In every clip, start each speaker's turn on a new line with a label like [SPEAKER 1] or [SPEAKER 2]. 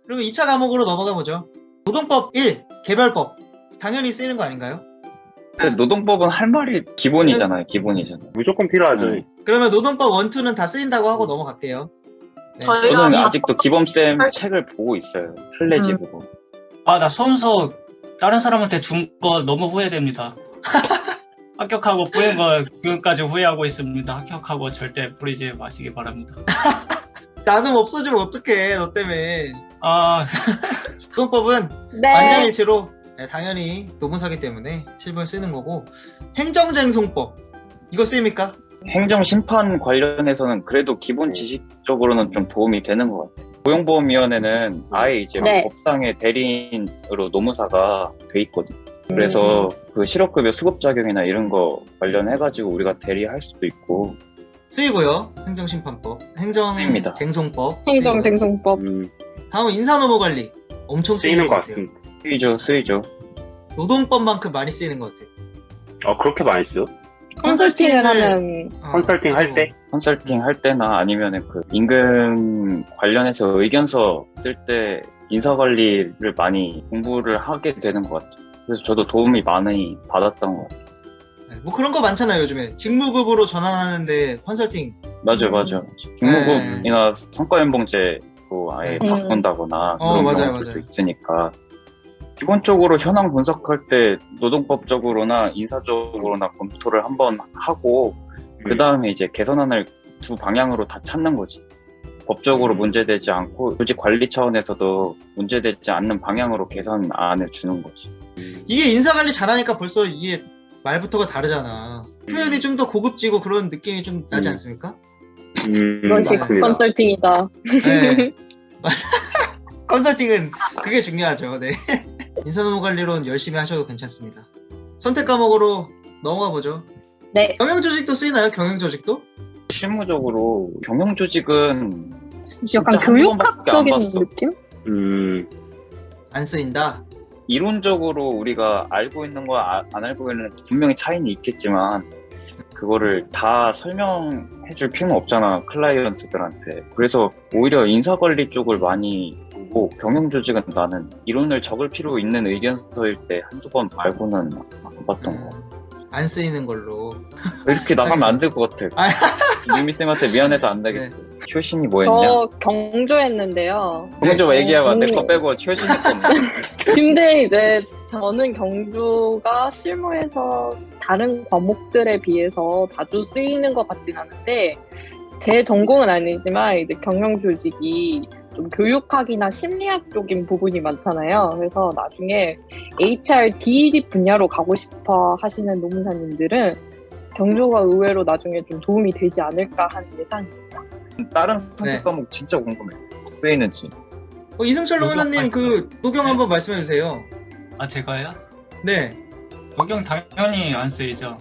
[SPEAKER 1] 그러면 2차 과목으로 넘어가 보죠. 노동법 1, 개별법. 당연히 쓰이는 거 아닌가요?
[SPEAKER 2] 근데 노동법은 할 말이 기본이잖아요. 기본이잖아요.
[SPEAKER 3] 무조건 필요하죠.
[SPEAKER 2] 네.
[SPEAKER 1] 그러면 노동법 1, 2는 다 쓰인다고 하고 넘어갈게요. 네.
[SPEAKER 4] 저희가
[SPEAKER 2] 저는
[SPEAKER 4] 다-
[SPEAKER 2] 아직도 기범쌤 책을 보고 있어요. 플래지으로.
[SPEAKER 5] 아, 나 수험서 다른 사람한테 준 거 너무 후회됩니다. 합격하고 뿌린 거 지금까지 후회하고 있습니다. 합격하고 절대 뿌리지 마시기 바랍니다.
[SPEAKER 1] 나눔 없어지면 어떡해, 너 때문에.
[SPEAKER 5] 아,
[SPEAKER 1] 노동법은
[SPEAKER 4] 네.
[SPEAKER 1] 만장일치로 당연히 노무사기 때문에 실무에 쓰는 거고, 행정쟁송법 이거 쓰입니까?
[SPEAKER 2] 행정심판 관련해서는 그래도 기본 지식적으로는 좀 도움이 되는 것 같아요. 고용보험위원회는 아예 이제
[SPEAKER 4] 네.
[SPEAKER 2] 법상의 대리인으로 노무사가 돼 있거든요. 그래서 그 실업급여 수급작용이나 이런 거 관련해가지고 우리가 대리할 수도 있고.
[SPEAKER 1] 쓰이고요. 행정심판법,
[SPEAKER 2] 쓰입니다.
[SPEAKER 1] 행정쟁송법.
[SPEAKER 4] 행정생성법.
[SPEAKER 1] 다음은 인사노무관리. 엄청
[SPEAKER 3] 쓰이는 것
[SPEAKER 1] 같아요.
[SPEAKER 3] 같습니다.
[SPEAKER 2] 쓰이죠.
[SPEAKER 1] 노동법만큼 많이 쓰이는 것 같아요.
[SPEAKER 3] 그렇게 많이 쓰요?
[SPEAKER 4] 컨설팅을 하면
[SPEAKER 3] 컨설팅 할 때?
[SPEAKER 2] 컨설팅 할 때나 아니면은 그 임금 관련해서 의견서 쓸 때 인사관리를 많이 공부를 하게 되는 것 같아요. 그래서 저도 도움이 많이 받았던 것 같아요.
[SPEAKER 1] 네, 뭐 그런 거 많잖아요, 요즘에. 직무급으로 전환하는데 컨설팅.
[SPEAKER 2] 맞아. 직무급이나 성과연봉제로 아예 바꾼다거나 그런
[SPEAKER 1] 맞아요,
[SPEAKER 2] 경우들도
[SPEAKER 1] 맞아요.
[SPEAKER 2] 있으니까 기본적으로 현황 분석할 때 노동법적으로나 인사적으로나 검토를 한번 하고 그 다음에 이제 개선안을 두 방향으로 다 찾는 거지. 법적으로 문제되지 않고 조직 관리 차원에서도 문제되지 않는 방향으로 개선안을 주는 거지.
[SPEAKER 1] 이게 인사관리 잘하니까 벌써 이게 말부터가 다르잖아. 표현이 좀 더 고급지고 그런 느낌이 좀 나지 않습니까?
[SPEAKER 4] 이것이
[SPEAKER 3] 맞습니다.
[SPEAKER 4] 컨설팅이다.
[SPEAKER 1] 네. 맞아. 컨설팅은 그게 중요하죠. 네. 인사노무관리론 열심히 하셔도 괜찮습니다. 선택 과목으로 넘어가 보죠.
[SPEAKER 4] 네.
[SPEAKER 1] 경영조직도 쓰이나요? 경영조직도?
[SPEAKER 2] 실무적으로 경영조직은
[SPEAKER 4] 약간
[SPEAKER 2] 진짜 한 번밖에 안
[SPEAKER 4] 교육학적인
[SPEAKER 2] 봤어.
[SPEAKER 4] 느낌?
[SPEAKER 1] 안 쓰인다.
[SPEAKER 2] 이론적으로 우리가 알고 있는 거와 안 알고 있는 분명히 차이는 있겠지만 그거를 다 설명해 줄 필요는 없잖아, 클라이언트들한테. 그래서 오히려 인사관리 쪽을 많이 보고 경영조직은 나는 이론을 적을 필요 있는 의견서일 때 한두 번 말고는 안 봤던 거.
[SPEAKER 1] 안 쓰이는 걸로.
[SPEAKER 2] 이렇게 나가면 안 될 것 같아.
[SPEAKER 1] 아.
[SPEAKER 2] 유미쌤한테 미안해서 안 되겠어. 효신이 뭐 했냐?
[SPEAKER 4] 저 경조했는데요.
[SPEAKER 2] 경조
[SPEAKER 1] 네.
[SPEAKER 2] 얘기하면 내 거 빼고 효신이 건데.
[SPEAKER 4] 근데 이제 저는 경조가 실무에서 다른 과목들에 비해서 자주 쓰이는 것 같진 않은데 제 전공은 아니지만 이제 경영조직이 좀 교육학이나 심리학 쪽인 부분이 많잖아요. 그래서 나중에 HR, DED 분야로 가고 싶어 하시는 노무사님들은 경조가 의외로 나중에 좀 도움이 되지 않을까 하는 예상입니다.
[SPEAKER 2] 다른
[SPEAKER 1] 네.
[SPEAKER 2] 선택 과목 진짜 궁금해. 쓰이는지.
[SPEAKER 1] 이승철 노무사님 그 녹용 한번 말씀해 주세요.
[SPEAKER 5] 아, 제가요?
[SPEAKER 1] 네.
[SPEAKER 5] 녹용 당연히 안 쓰이죠.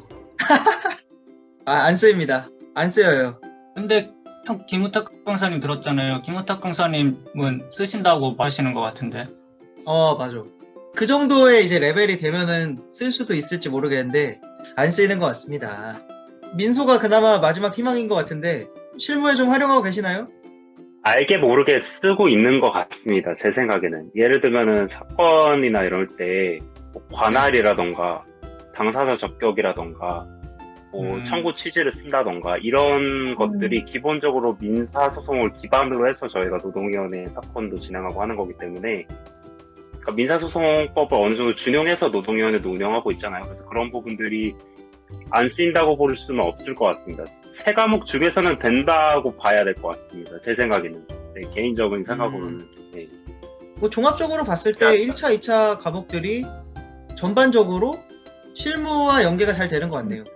[SPEAKER 1] 안 쓰입니다. 안 쓰여요.
[SPEAKER 5] 근데 형 김우탁 강사님 들었잖아요. 김우탁 강사님은 쓰신다고 하시는 것 같은데.
[SPEAKER 1] 맞아. 그 정도의 이제 레벨이 되면은 쓸 수도 있을지 모르겠는데 안 쓰이는 것 같습니다. 민소가 그나마 마지막 희망인 것 같은데 실무에 좀 활용하고 계시나요?
[SPEAKER 3] 알게 모르게 쓰고 있는 것 같습니다. 제 생각에는. 예를 들면은 사건이나 이럴 때뭐 관할이라던가 당사자 적격이라던가 뭐 청구 취지를 쓴다던가 이런 것들이 기본적으로 민사소송을 기반으로 해서 저희가 노동위원회 사건도 진행하고 하는 거기 때문에 그러니까 민사소송법을 어느 정도 준용해서 노동위원회도 운영하고 있잖아요. 그래서 그런 부분들이 안 쓰인다고 볼 수는 없을 것 같습니다. 세 과목 중에서는 된다고 봐야 될 것 같습니다. 제 생각에는. 네, 개인적인 생각으로는. 네.
[SPEAKER 1] 뭐 종합적으로 봤을 때 1차, 2차 과목들이 전반적으로 실무와 연계가 잘 되는 것 같네요.